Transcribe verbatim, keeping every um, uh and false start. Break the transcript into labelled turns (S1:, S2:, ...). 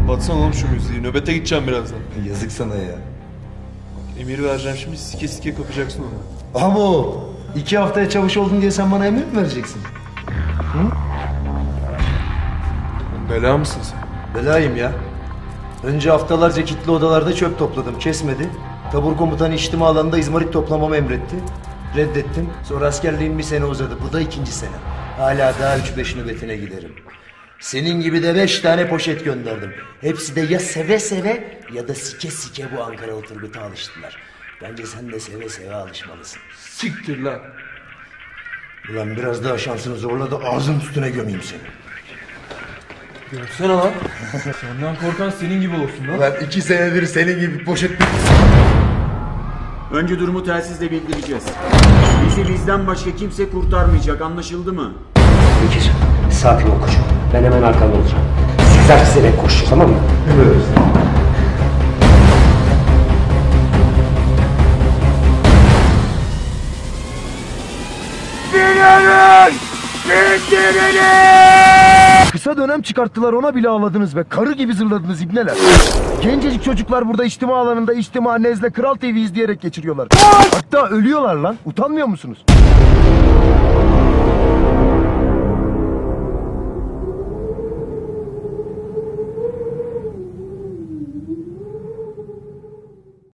S1: Kapatsana oğlum şu müziği. Nöbete gideceğim birazdan.
S2: Yazık sana ya.
S1: Emir vereceğim şimdi, sike sike kapacaksın onu.
S2: Abo! İki haftaya çavuş oldun diye sen bana emir mi vereceksin? Hı?
S1: Bela mısın sen?
S2: Belayım ya. Önce haftalarca kilitli odalarda çöp topladım, kesmedi. Tabur komutanı içtima alanında izmarit toplamamı emretti. Reddettim. Sonra askerliğim bir sene uzadı. Bu da ikinci sene. Hala daha üç beş nöbetine giderim. Senin gibi de beş tane poşet gönderdim. Hepsi de ya seve seve ya da sike sike bu Ankaralı Turgut'a alıştılar. Bence sen de seve seve alışmalısın.
S1: Siktir lan.
S2: Ulan biraz daha şansını zorla da ağzın üstüne gömeyim seni.
S1: Görsene lan. Senden korkan senin gibi olsun lan.
S2: Ulan iki senedir senin gibi poşet...
S3: Önce durumu telsizle bildireceğiz. Bizi bizden başka kimse kurtarmayacak, anlaşıldı mı?
S4: Bekir, sakin ol koçum. Ben hemen arkanda olacağım. Sizler çizerek koşacağız, tamam mı?
S2: Evet.
S5: Kısa dönem çıkarttılar, ona bile ağladınız be. Karı gibi zırladınız ibneler. Gencecik çocuklar burada içtima alanında içtima nezle Kral T V izleyerek geçiriyorlar. Hatta ölüyorlar lan. Utanmıyor musunuz?